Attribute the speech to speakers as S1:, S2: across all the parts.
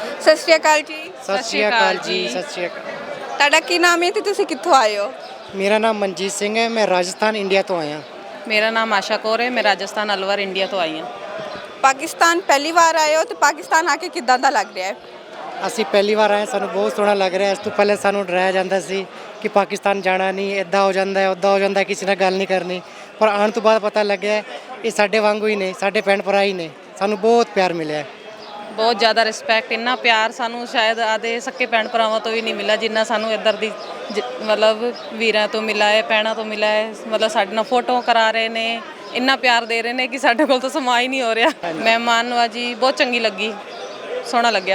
S1: ਸਤਿ ਸ਼੍ਰੀ ਅਕਾਲ ਜੀ।
S2: ਸਤਿ ਸ਼੍ਰੀ ਅਕਾਲ ਜੀ। ਸਤਿ ਸ਼੍ਰੀ ਅਕਾਲ।
S1: ਤੁਹਾਡਾ ਕੀ ਨਾਮ ਹੈ ਤੇ ਤੁਸੀਂ ਕਿੱਥੋਂ ਆਏ ਹੋ?
S2: ਮੇਰਾ ਨਾਮ ਮਨਜੀਤ ਸਿੰਘ ਹੈ, ਮੈਂ ਰਾਜਸਥਾਨ ਇੰਡੀਆ ਤੋਂ ਆਇਆ।
S3: ਮੇਰਾ ਨਾਮ ਆਸ਼ਾ ਕੌਰ ਹੈ, ਮੈਂ ਰਾਜਸਥਾਨ ਅਲਵਰ ਇੰਡੀਆ ਤੋਂ ਆਈ ਹਾਂ।
S1: ਪਾਕਿਸਤਾਨ ਪਹਿਲੀ ਵਾਰ ਆਏ ਹੋ ਤੇ ਪਾਕਿਸਤਾਨ ਆ ਕੇ ਕਿੱਦਾਂ ਦਾ ਲੱਗ ਰਿਹਾ ਹੈ?
S2: ਅਸੀਂ ਪਹਿਲੀ ਵਾਰ ਆਏ, ਸਾਨੂੰ ਬਹੁਤ ਸੋਹਣਾ ਲੱਗ ਰਿਹਾ। ਇਸ ਤੋਂ ਪਹਿਲੇ ਸਾਨੂੰ ਡਰਾਇਆ ਜਾਂਦਾ ਸੀ ਕਿ ਪਾਕਿਸਤਾਨ ਜਾਣਾ ਨਹੀਂ, ਇੱਦਾਂ ਹੋ ਜਾਂਦਾ ਹੈ, ਉੱਦਾਂ ਹੋ ਜਾਂਦਾ ਹੈ, ਕਿਸੇ ਨਾਲ ਗੱਲ ਨਹੀਂ ਕਰਨੀ। ਪਰ ਆਉਣ ਤੋਂ ਬਾਅਦ ਪਤਾ ਲੱਗਿਆ ਇਹ ਸਾਡੇ ਵਾਂਗੂ ਹੀ ਨੇ, ਸਾਡੇ ਭੈਣ ਭਰਾ ਹੀ ਨੇ। ਸਾਨੂੰ ਬਹੁਤ ਪਿਆਰ ਮਿਲਿਆ।
S3: ਬਹੁਤ ਜ਼ਿਆਦਾ ਰਿਸਪੈਕਟ, ਇੰਨਾ ਪਿਆਰ ਸਾਨੂੰ ਸ਼ਾਇਦ ਆਦੇ ਸੱਕੇ ਭੈਣ ਭਰਾਵਾਂ ਤੋਂ ਵੀ ਨਹੀਂ ਮਿਲਿਆ ਜਿੰਨਾ ਸਾਨੂੰ ਇੱਧਰ ਦੀ ਮਤਲਬ ਵੀਰਾਂ ਤੋਂ ਮਿਲਾ ਹੈ, ਭੈਣਾਂ ਤੋਂ ਮਿਲਾ ਹੈ। ਮਤਲਬ ਸਾਡੇ ਨਾਲ ਫੋਟੋ ਕਰਾ ਰਹੇ ਨੇ, ਇੰਨਾ ਪਿਆਰ ਦੇ ਰਹੇ ਨੇ ਕਿ ਸਾਡੇ ਕੋਲ ਤਾਂ ਸਮਾਂ ਹੀ ਨਹੀਂ ਹੋ ਰਿਹਾ। ਮਹਿਮਾਨ ਨਵਾਜੀ ਬਹੁਤ ਚੰਗੀ ਲੱਗੀ, ਸੋਹਣਾ ਲੱਗਿਆ।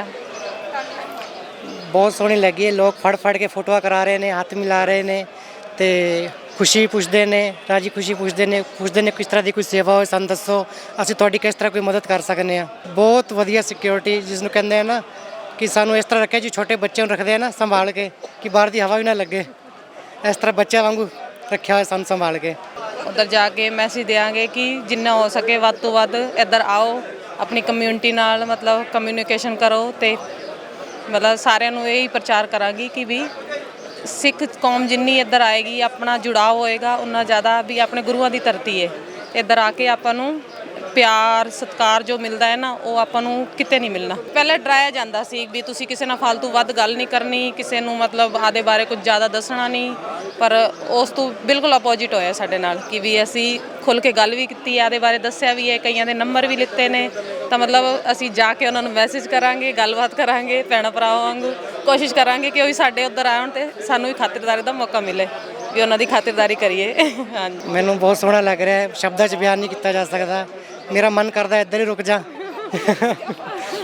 S2: ਬਹੁਤ ਸੋਹਣੀ ਲੱਗੀ ਹੈ। ਲੋਕ ਫੜ ਕੇ ਫੋਟੋਆਂ ਕਰਾ ਰਹੇ ਨੇ, ਹੱਥ ਮਿਲਾ ਰਹੇ ਨੇ ਤੇ ਖੁਸ਼ੀ ਪੁੱਛਦੇ ਨੇ, ਰਾਜੀ ਖੁਸ਼ੀ ਪੁੱਛਦੇ ਨੇ ਕਿਸ ਤਰ੍ਹਾਂ ਦੀ ਕੋਈ ਸੇਵਾ ਹੋਵੇ ਸਾਨੂੰ ਦੱਸੋ, ਅਸੀਂ ਤੁਹਾਡੀ ਕਿਸ ਤਰ੍ਹਾਂ ਕੋਈ ਮਦਦ ਕਰ ਸਕਦੇ ਹਾਂ। ਬਹੁਤ ਵਧੀਆ ਸਿਕਿਉਰਿਟੀ, ਜਿਸ ਨੂੰ ਕਹਿੰਦੇ ਆ ਨਾ ਕਿ ਸਾਨੂੰ ਇਸ ਤਰ੍ਹਾਂ ਰੱਖਿਆ ਜੀ, ਛੋਟੇ ਬੱਚਿਆਂ ਨੂੰ ਰੱਖਦੇ ਆ ਨਾ ਸੰਭਾਲ ਕੇ ਕਿ ਬਾਹਰ ਦੀ ਹਵਾ ਵੀ ਨਾ ਲੱਗੇ, ਇਸ ਤਰ੍ਹਾਂ ਬੱਚਿਆਂ ਵਾਂਗੂ ਰੱਖਿਆ ਹੋਇਆ ਸਾਨੂੰ ਸੰਭਾਲ ਕੇ।
S3: ਉੱਧਰ ਜਾ ਕੇ ਮੈਸੇਜ ਦਿਆਂਗੇ ਕਿ ਜਿੰਨਾ ਹੋ ਸਕੇ ਵੱਧ ਤੋਂ ਵੱਧ ਇੱਧਰ ਆਓ, ਆਪਣੀ ਕਮਿਊਨਿਟੀ ਨਾਲ ਮਤਲਬ ਕਮਿਊਨੀਕੇਸ਼ਨ ਕਰੋ ਅਤੇ ਮਤਲਬ ਸਾਰਿਆਂ ਨੂੰ ਇਹੀ ਪ੍ਰਚਾਰ ਕਰਾਂਗੀ ਕਿ ਵੀ ਸਿੱਖ ਕੌਮ ਜਿੰਨੀ ਇੱਧਰ ਆਏਗੀ, ਆਪਣਾ ਜੁੜਾਅ ਹੋਏਗਾ ਉਨਾ ਜ਼ਿਆਦਾ। ਵੀ ਆਪਣੇ ਗੁਰੂਆਂ ਦੀ ਧਰਤੀ ਹੈ, ਇੱਧਰ ਆ ਕੇ ਆਪਾਂ ਨੂੰ ਪਿਆਰ ਸਤਿਕਾਰ ਜੋ ਮਿਲਦਾ ਹੈ ਨਾ, ਉਹ ਆਪਾਂ ਨੂੰ ਕਿਤੇ ਨਹੀਂ ਮਿਲਣਾ। ਪਹਿਲਾਂ ਡਰਾਇਆ ਜਾਂਦਾ ਸੀ ਵੀ ਤੁਸੀਂ ਕਿਸੇ ਨਾਲ ਫालतू ਵੱਧ ਗੱਲ ਨਹੀਂ ਕਰਨੀ, ਕਿਸੇ ਨੂੰ ਮਤਲਬ ਆਦੇ ਬਾਰੇ ਕੁਝ ਜ਼ਿਆਦਾ ਦੱਸਣਾ ਨਹੀਂ। ਪਰ ਉਸ ਤੋਂ ਬਿਲਕੁਲ ਅਪੋਜਿਟ ਹੋਇਆ ਸਾਡੇ ਨਾਲ ਕਿ ਵੀ ਅਸੀਂ ਖੁੱਲ੍ਹ ਕੇ ਗੱਲ ਵੀ ਕੀਤੀ, ਆਦੇ ਬਾਰੇ ਦੱਸਿਆ ਵੀ ਹੈ, ਕਈਆਂ ਦੇ ਨੰਬਰ ਵੀ ਲਿੱਤੇ ਨੇ। ਤਾਂ ਮਤਲਬ ਅਸੀਂ ਜਾ ਕੇ ਉਹਨਾਂ ਨੂੰ ਮੈਸੇਜ ਕਰਾਂਗੇ, ਗੱਲਬਾਤ ਕਰਾਂਗੇ, ਭੈਣਾਂ ਭਰਾਵਾਂ ਵਾਂਗੂ ਕੋਸ਼ਿਸ਼ ਕਰਾਂਗੇ ਕਿ ਉਹ ਵੀ ਸਾਡੇ ਉੱਧਰ ਆਉਣ ਅਤੇ ਸਾਨੂੰ ਵੀ ਖਾਤਰਦਾਰੀ ਦਾ ਮੌਕਾ ਮਿਲੇ, ਵੀ ਉਹਨਾਂ ਦੀ ਖਾਤਰਦਾਰੀ ਕਰੀਏ। ਹਾਂਜੀ,
S2: ਮੈਨੂੰ ਬਹੁਤ ਸੋਹਣਾ ਲੱਗ ਰਿਹਾ ਹੈ, ਸ਼ਬਦਾਂ 'ਚ ਬਿਆਨ ਨਹੀਂ ਕੀਤਾ ਜਾ ਸਕਦਾ। ਮੇਰਾ ਮਨ ਕਰਦਾ ਇੱਧਰ ਹੀ ਰੁਕ ਜਾ।